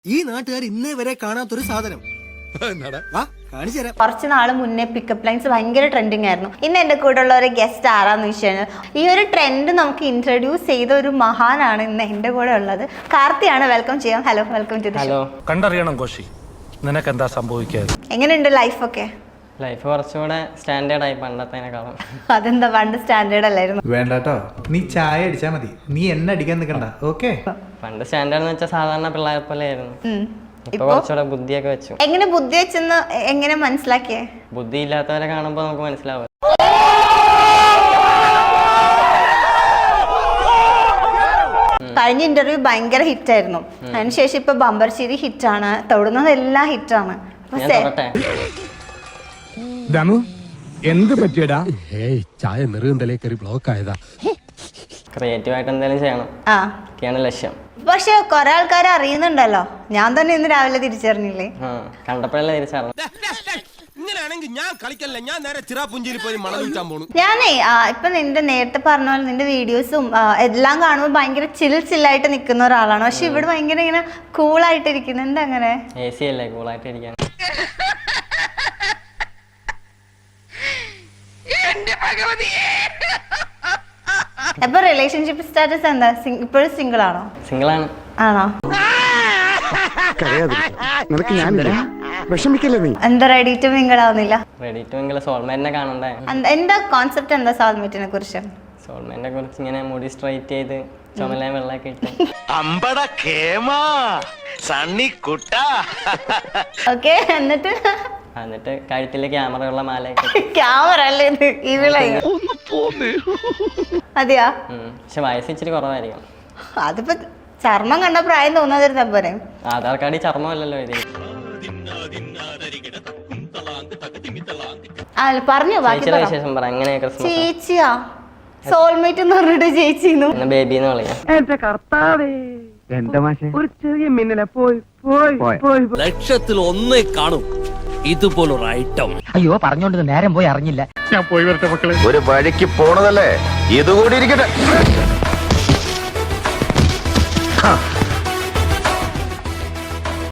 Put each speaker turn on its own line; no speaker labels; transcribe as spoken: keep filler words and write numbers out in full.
ഈ നാട്ടുകാർ ഇന്നേ വരെ കാണാത്തൊരു സാധനം
കുറച്ച് നാള് മുന്നേ പിക്കപ്പ് ലൈൻസ് ഭയങ്കര ട്രെൻഡിങ് ആയിരുന്നു. ഇന്ന് എന്റെ കൂടെ ഉള്ള ഒരു ഗസ്റ്റ് ആരാന്ന് വെച്ചാൽ ഈ ഒരു ട്രെൻഡ് നമുക്ക് ഇൻട്രൊഡ്യൂസ് ചെയ്ത ഒരു മഹാനാണ് ഇന്ന് എന്റെ കൂടെ ഉള്ളത്. കാർത്തിയാണ്. വെൽക്കം ചെയ്യാം. Hello, welcome to the show.
കണ്ടറിയണം കോശി, നിനക്ക് എന്താ സംഭവിക്കാതെ?
എങ്ങനെയുണ്ട് ലൈഫൊക്കെ?
ലൈഫ് കുറച്ചുകൂടെ സ്റ്റാൻഡേർഡ് ആയി പണ്ടത്തേനേക്കാളും.
അതെന്താ, പണ്ട് സ്റ്റാൻഡേർഡ് അല്ലായിരുന്നു?
വേണ്ടാട്ടോ, നീ ചായ അടിച്ചാ മതി, നീ എന്നെ അടിക്കാൻ നിൽക്കണ്ട. ഓക്കെ,
പണ്ട് സ്റ്റാൻഡേർഡ് എന്ന് വെച്ചാൽ സാധാരണ പിള്ളേരെ പോലെ ആയിരുന്നു. ഇപ്പൊ കുറച്ചുകൂടെ ബുദ്ധിയൊക്കെ വെച്ചു.
എങ്ങനെ ബുദ്ധി വെച്ചെന്ന് എങ്ങനെ മനസ്സിലാക്കിയേ?
ബുദ്ധി ഇല്ലാത്തവരെ കാണുമ്പോ നമുക്ക് മനസ്സിലാവും.
കഴിഞ്ഞ ഇന്റർവ്യൂ ഭയങ്കര ഹിറ്റ് ആയിരുന്നു. അതിനുശേഷം ഇപ്പൊ ബമ്പർശ്ശേരി ഹിറ്റാണ്, തൊടുന്നതെല്ലാം ഹിറ്റാണ്.
എന്ത് പറ്റിയടാ?
ചായ നെറുകന്തലേ കയറി ബ്ലോക്ക് ആയതാ.
ക്രിയേറ്റീവ് ആയിട്ട് എന്തെങ്കിലും ചെയ്യണം,
ആ
ഒക്കെയാണ് ലക്ഷ്യം.
പക്ഷെ കൊറേ ആൾക്കാർ അറിയുന്നുണ്ടല്ലോ. ഞാൻ തന്നെ ഇന്ന് രാവിലെ തിരിച്ചറിഞ്ഞില്ലേ?
ആ കണ്ടപ്പോഴല്ലേ തിരിച്ചറിഞ്ഞു.
ഞാനേ ഇപ്പൊ നിന്റെ നേരത്തെ പറഞ്ഞ പോലെ നിന്റെ വീഡിയോസും എല്ലാം കാണുമ്പോൾ ഭയങ്കര ചിൽ ചില്ലായിട്ട് നിൽക്കുന്ന ഒരാളാണ്. പക്ഷെ ഇവിടെ ഭയങ്കര ഇങ്ങനെ കൂളായിട്ട് ഇരിക്കുന്നു. എന്താ അങ്ങനെ?
എ സി അല്ലേ, കൂളായിട്ട് ഇരിക്കാൻ.
അപ്പൊ റിലേഷൻഷിപ്പ് സ്റ്റാറ്റസ് എന്താ? ഇപ്പോഴും സിംഗിൾ ആണോ?
സിംഗിൾ ആണ്.
ആണോ?
നിനക്ക് ഞാനില്ല, വിഷമിക്കല്ലേ നീ.
എന്താ റെഡി ടു മിംഗിൾ ആവുന്നില്ല?
റെഡി ടു മിംഗിൾ സോൾമേറ്റിനെ കാണണ്ടേ?
എന്താ കോൺസെപ്റ്റ്? എന്താ സോൾമേറ്റിനെ കുറിച്ച്?
സോൾമേറ്റിനെ കുറിച്ച് ഇങ്ങനെ മുടി സ്ട്രൈറ്റ് ചെയ്ത് ചുമല വെള്ളമൊക്കെ ഇട്ട്
ഓക്കെ. എന്നിട്ട്
എന്നിട്ട് കഴുത്തില് ക്യാമറയുള്ള മാലയൊക്കെ.
ക്യാമറ അല്ലേ ഇത്? ഇവിടെ അതെയാ?
പക്ഷെ വയസ്സ് ഇച്ചിരി കുറവായിരിക്കും.
അതിപ്പോ ചർമ്മം കണ്ട പ്രായം തോന്നാതിരുന്ന പോരെ.
ആധാർ കാർഡിൽ ചർമ്മമല്ലല്ലോ ഇത്.
പറഞ്ഞു
വിശേഷം പറ. എങ്ങനെ ക്രിസ്മസ്?
ചേച്ചിയാ സോൾമേറ്റ് എന്ന് പറഞ്ഞിട്ട് ചേച്ചിന്നു
ബേബി എന്ന് വിളിക്കാം.
എന്റെ കർത്താവേ, എന്റെ മാഷെ ഒരു ചെറിയ മിന്നലെ പോയി പോയി പോയി.
ലക്ഷത്തിൽ ഒന്നേ കാണും ഇതുപോലൊരു ഐറ്റം.
അയ്യോ, പറഞ്ഞോണ്ട് നേരം പോയി അറിഞ്ഞില്ല.
ഞാൻ പോയി വരട്ടെ മക്കളെ.
ഒരു വഴിക്ക് പോണതല്ലേ, ഇതുകൂടി ഇരിക്കട്ടെ.